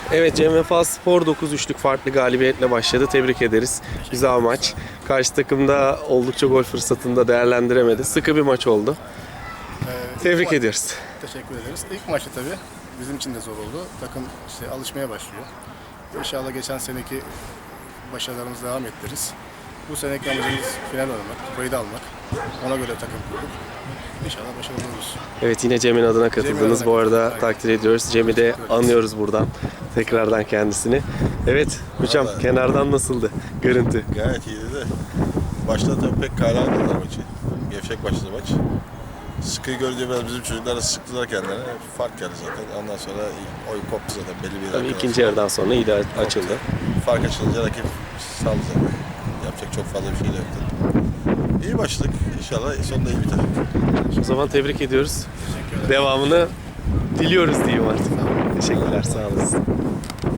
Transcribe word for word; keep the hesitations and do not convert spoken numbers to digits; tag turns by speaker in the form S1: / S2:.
S1: Evet, Cem Vefa Spor dokuz üçlük farklı galibiyetle başladı. Tebrik ederiz. Güzel maç. Karşı takımda oldukça gol fırsatını da değerlendiremedi. Sıkı bir maç oldu.
S2: Ee,
S1: Tebrik
S2: ma-
S1: ediyoruz.
S2: Teşekkür ederiz. İlk maçta tabii bizim için de zor oldu. Takım işte alışmaya başlıyor. İnşallah geçen seneki başarılarımızı devam ettiririz. Bu seneki amacımız final oynamak, kupayı da almak. Ona göre takım kurduk. İnşallah başarılı oluruz.
S1: Evet, yine Cem'in adına katıldınız.
S2: adına
S1: Bu arada
S2: katıldım.
S1: takdir ediyoruz. Cem'i de
S2: Teşekkür ederiz.
S1: anıyoruz buradan. Tekrardan kendisini. Evet hocam,
S3: Vallahi.
S1: kenardan nasıldı görüntü?
S3: Gayet iyiydi de başta tabii pek kale almadılar maçı. Gevşek başladı maç. Sıkıyı görünce biraz bizim çocuklar da sıktılar kendilerine. Fark geldi zaten. Ondan sonra oyun koptu zaten belli bir
S1: Tabii
S3: dakikadan
S1: ikinci
S3: sonra.
S1: yarıdan sonra iyi de açıldı.
S3: Fark açılınca rakip saldı zaten. Yapacak çok fazla bir şey de yoktu. İyi başladık. İnşallah sonunda iyi biter.
S1: O zaman tebrik ediyoruz. Devamını diliyoruz diyeyim artık. Teşekkürler, sağ olasın.